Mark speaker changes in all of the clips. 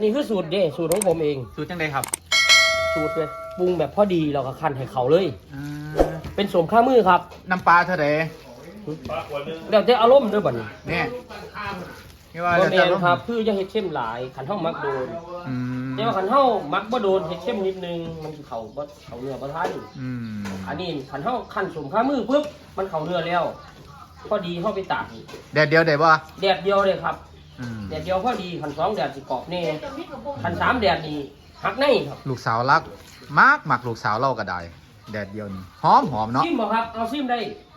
Speaker 1: นี้คือสูตรเด้สูตรของผมเอง
Speaker 2: สูตรจังไดครับ
Speaker 1: สูตรแบบปรุงแบบพอดีเราก็คั้นให้เขาเลยเป็นสมข้ามือครับ
Speaker 2: น้ำปลาเท่าไหร่
Speaker 1: เดี๋ยวจะอารมณ์ด้วยบ่นี่
Speaker 2: เนี่ยนี่ว่า
Speaker 1: บ่
Speaker 2: จะ
Speaker 1: แม่นครับคือจะเฮ็ดเข้มหลายขันเฮามักโดนแต่ว่าขันเฮามักบ่โดนเฮ็ดเข้มนิดนึงมันสิเข้าบ่เข้าเนื้อบ่ทันอันนี้ขันเฮาคั้นสมข้ามือปุ๊บมันเข้าเนื้อแล้วพอดีเฮาไปตาก
Speaker 2: แดดเดียวได้บ่
Speaker 1: แดดเดียวเลยครับแดดเดียวพอดีขัน2แดดสิกรอบแน่ขัน3แดดนี่หักในครับ
Speaker 2: ลูกสาวรักมากหมักลูกสาวเล่าก็ได้แดดเดียวนี่หอมเนาะ
Speaker 1: ซิมบ่ครับเอาซิมได้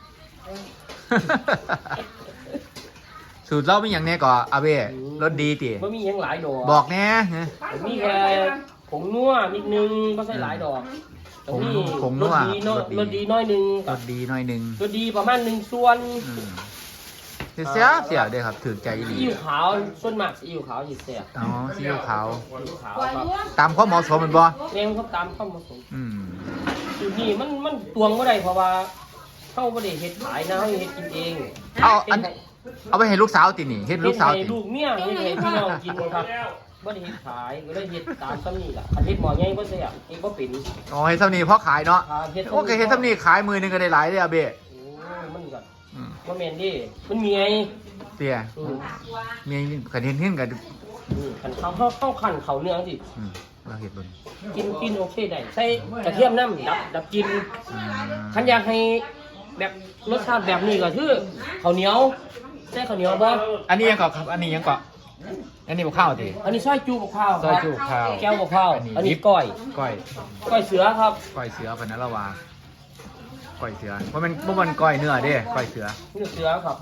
Speaker 2: สูตรเล่ามีอย่างแน่ก่ออาเบ้รสดีติ
Speaker 1: บ่มีหยังหลายดอก
Speaker 2: บอกแน่
Speaker 1: มีแค่ผงนัวนิดนึงบ่ใส่หลายดอก
Speaker 2: ผงนัว
Speaker 1: รสดีน้อยนึง
Speaker 2: รสดีน้อยนึง
Speaker 1: รสดีประมาณ1ส่วน
Speaker 2: เสียเด้ครับถือใจดี
Speaker 1: ซีอิ๊วขาวส่วนมากซีอิ๊วขาวสิแซ่บ
Speaker 2: อ๋อซีอิ๊วขาว
Speaker 1: ครับ
Speaker 2: ตามความเหมาะสมมันบ่
Speaker 1: แม่นครับตามความเหมาะสมสูตรนี้มันตวงบ่ได้เพราะว่าเฮาบ่ได้เฮ็ดขายนะเฮาเฮ็ดกินเอง
Speaker 2: เอาไปให้ลูกสาวตินี่เฮ็ดลูกสาวติ
Speaker 1: ลูกเมียเฮ็ดให้พี่น้องกินครับบ่ได้เฮ็ดขายก็เลยเฮ็ดตามซ้ำนี่ล่ะอันเฮ็ดหม้อใหญ่บ่แซ่บเฮ็ดบ่เป็น
Speaker 2: อ๋อเฮ็ดซ้ำนี่เพราะขายเนาะโอเคเฮ็ดซ้ำนี่ขายมือนึงก็ได้หลายเด้ออาเบ้
Speaker 1: มันก็บ่แม่นดิมันมีไง
Speaker 2: เตี้ยมีกันเห็นกัน
Speaker 1: ขันเข้าขันเขาเนื้อสิ
Speaker 2: เราเห็ดบน
Speaker 1: กินโอเคได้ใส่กระเทียมน้ำดับกินขันอยากให้แบบรสชาติแบบนี้ก็คือข้าวเหนียวใส่ข้าวเหนียวบ่
Speaker 2: อันนี้ยังก่อครับอันนี้ยังก่ออันนี้บุกข้าวติ
Speaker 1: อันนี้ซอยจูบุกข้าว
Speaker 2: ซอยจูบุกข้าว
Speaker 1: แก้วบุกข้าวอันนี้ก้อยเสือครับ
Speaker 2: ก้อยเสือพนันละวาก้อยเสือเพราะมันก้อยเนื้อเด้ก้อยเสือ
Speaker 1: เนื้อเสือครับ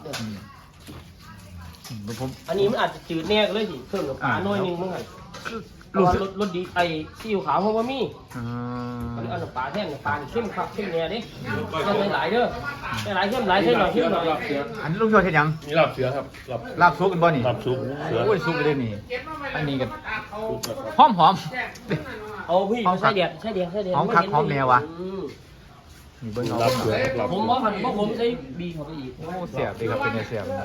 Speaker 1: อันนี้มันอาจจะจืดแน่เลยสิเพิ่มกับปลาหน่อยนึงมั้งไงรสดีไอ้ซีอิ๊วขาวเพราะว่ามีอันนี้ปลาแท่งปลาเข้มครับเข้มแน่ดิยังไม่หลายเด้อไม่หลายเข้มหลายเท่าหน่อยเข้มหน่อย
Speaker 2: อันนี้ลุงโยเห็นยัง
Speaker 3: นี่ลาบเสือครับ
Speaker 2: ลาบซุปกันบ่นี่
Speaker 3: ลาบซุปเสือ
Speaker 2: โอ้ยซุปเลยนี่อันนี้กันหอม
Speaker 1: เอาพี่ใช่เดียด
Speaker 2: หอมคักหอมแนววะมีเบิ้งเอา
Speaker 1: ผมว่าผมใช้บีเขาไปอีก
Speaker 2: โอ้เสียบดีครับเป็นเสียบ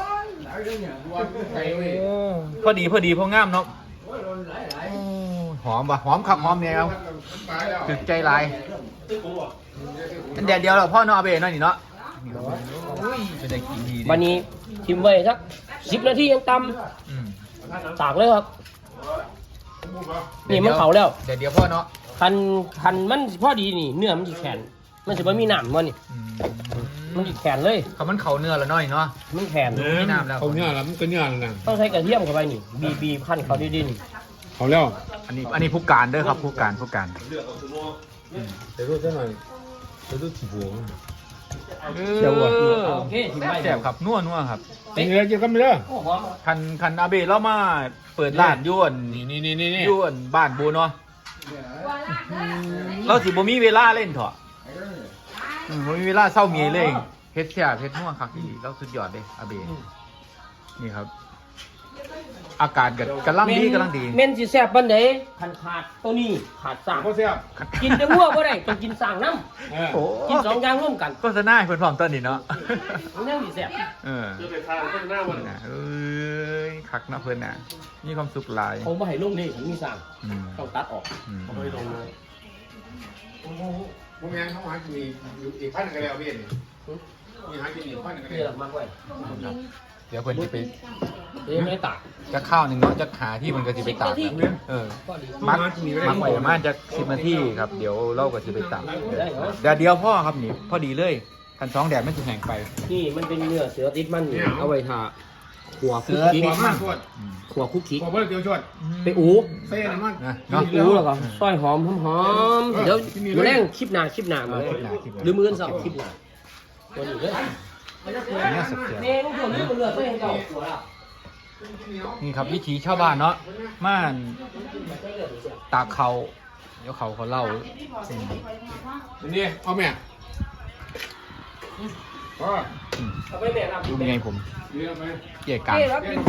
Speaker 2: พอดีพองามเนาะหอมว่ะหอมคักหอมแนวถึกใจลายอันแดดเดียวเราพ่อเนาะอาเบ้เนาะนี่เนาะเป็นได้กินดี
Speaker 1: วันนี้ทิมไว้สัก10 นาทียังตำตากเลยครับนี่มันเผาแล้ว
Speaker 2: แดดเดียวพ่อเนาะ
Speaker 1: คันมันพอดีนี่เนื้อมันจะแข็งมันจะไม่มีหนามมันนี่มันจะแข็งเลย
Speaker 2: มันเข่าเนื้อแล้วน้อยเนาะ
Speaker 1: มันแข็ง
Speaker 2: ไม่น้ำแล้ว
Speaker 3: เขาเนื้อแล้วมันก็เนื้อแล้วนะ
Speaker 1: ต้องใช้กระเทียมเข้าไปนี่บีขั้นเขาดิน
Speaker 3: เขาแล้ว
Speaker 2: อันนี้ผู้การเด้อครับผู้การ
Speaker 3: แต่รู้ซะหน่อยแต่รู้ถี่หัว
Speaker 1: เดี๋ยวโอเค
Speaker 2: แซ่บครับนัวครับ
Speaker 3: นี่เลยเกี่ยวกันไปเลย
Speaker 2: คันอาเบ้เรามาเปิดร้านยวนยวนบ้านบูเนาะเราสิบ่มีเวลาเล่นเถอะบ่มีเวลาเศร้าเมียเลยเฮ็ดแซ่บเฮ็ดนัวคักอีหลีเราสุดยอดเด้อาเบ้นี่ครับอากาศกำลังดี
Speaker 1: เม่นสิแซ่บปานใดคันขาดตัวนี้ขาดสร้าง
Speaker 3: บ่แซ่บ
Speaker 1: กินแต่หัวบ่ได้ต้องกินสร้างน้ำกิน2อย่างร่วมกัน
Speaker 2: โฆษณาให้เพิ่นพร้อมตอนนี้เนาะ
Speaker 1: มันยังสิแซ่บ
Speaker 3: จะไปทานโฆษณาบ่น่ะ
Speaker 2: คักเนาะเพิ่นน่ะมีความสุขหลาย
Speaker 1: ผมบ่ให้ลงนี่ผมมีสร้างต้องตัดออก
Speaker 3: บ่ให้ลงเลยบ่แม่นเขาหากินอีกพันนึงก็แล้วเว้ยมีหากินอีกพันนึงก็แล้ว
Speaker 1: มากไว้
Speaker 2: เดี๋ยวเพิ่นสิไป
Speaker 1: ไม่ตาก
Speaker 2: จะข้าวนึงเนาะจะหาที่มันก็สิไปตากมักไว้ประมาณจะ10 นาทีครับเดี๋ยวเราก็สิไปตากเดี๋ยวพ่อครับนี่พอดีเลยคัน2แดดมันสิแห้งไป
Speaker 1: นี่มันเป็นเนื้อเสือติดมันเอาไว้ทาขัวคุกกี้ขัวคุกกี้
Speaker 3: ขัวเบอร์เดียวชด
Speaker 1: ไปอู
Speaker 3: เส้นมัน
Speaker 1: เนาะอูแล้วก็ซอยหอมเดี๋ยวแรงคลิปหน้ามาเลยหรือมื้อเช้าคลิปหน้าตัวนี้เลย
Speaker 2: นี่สุดเสียนี่ครับวิถีชาวบ้านเนาะม่านตากเขาเดี๋ยวเขาเล่า
Speaker 3: นี่เอาแม่
Speaker 2: ดูไงผมเกี่ยกลาง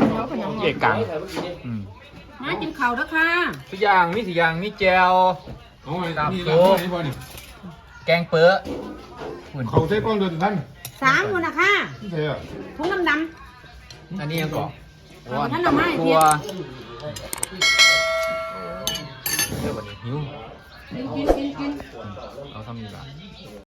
Speaker 4: มากินข้าวแล้วค่ะ
Speaker 2: ทุกอย่างมีแจว
Speaker 3: ตามโซ่
Speaker 2: แกงเปื้อ
Speaker 3: เขาใช้กล้องเดินท่าน
Speaker 4: 3คนนะคะถุงดำ
Speaker 2: อันนี้ยังเกาะ
Speaker 4: ท่านเอาไม้
Speaker 2: ตัวเด้อบัดนี้หิว
Speaker 4: กิน
Speaker 2: เอาทำนี่ล่ะ